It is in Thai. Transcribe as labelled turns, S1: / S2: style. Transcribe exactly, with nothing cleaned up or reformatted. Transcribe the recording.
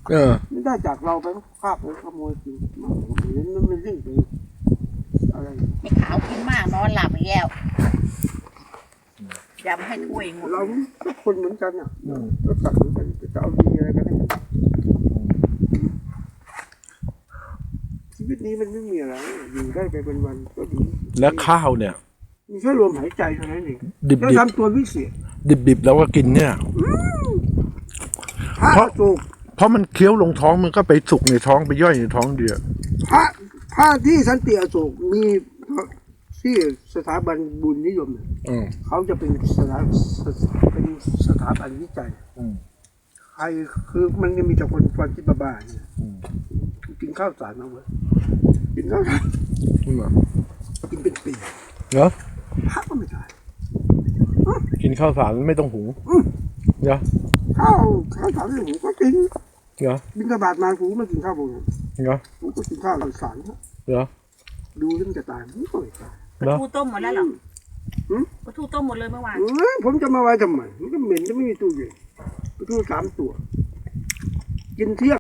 S1: เออ
S2: ไม่ได้จากเราไปคาบไปขโมยกินมันเห็นมันเป็นเรื่องไปอะไร
S3: ไอ้ขาวกินมากนอนหลับอีกแล้วยำให้ถ้วยหมด
S2: เราทุกคนเหมือนกันอ่ะก็ตัดเหมือนกันจะเอาดีอะไรกันได้ชีวิตนี้มันไม่มีอะไรอยู่ได้ไปเป็นวันก็ดี
S1: และข้าวเนี่ย
S2: มีแค่ลมหายใจเท่านั้นเอง
S1: ดิบ
S2: แล้ว
S1: ดิบ
S2: ทำตัววิเศษ
S1: ดิบดิบๆแล้วก็กินเนี่ย
S2: พระ
S1: เพราะ
S2: สุก
S1: เพราะมันเคี้ยวลงท้องมันก็ไปสุกในท้องไปย่อยในท้องเดียว
S2: พระพระที่สันติอโศกมีที่สถาบันบุญนิยมเนี่ย
S1: อืม
S2: เขาจะเป็นสถาเป็นสถาบันวิจัย
S1: อืม
S2: ใครคือมันจะมีแต่คนฟันที่บ้าๆเนี่ย
S1: อืม
S2: กินข้าวสารมาเว้ยกินข้าวสาร
S1: อืม
S2: กินเป็นปี
S1: เนอะ
S2: พระก็ไม่ได้
S1: กินข้าวสารไม่ต้องหุงเนอะ
S2: ข้าวข้าวสารเนี่ยผมก็กิน
S1: เนอะ
S2: บิณฑบาตมากูไม่กินข้าวผม
S1: เนอะ
S2: กูก็กินข้าวสาร
S1: เนอะ
S2: ดูแล้วมันจะตายมันก็ไม่ตาย
S3: ปลาทูต้มหมดแล้วเหรอปลาทูต้มหมดเลยเมื่อวาน
S2: เอ้ยผมจะมาไว้ทำไมมันก็เหม็นจะไม่มีตู้เย็นไปตู้สามตัว กินเที่ยง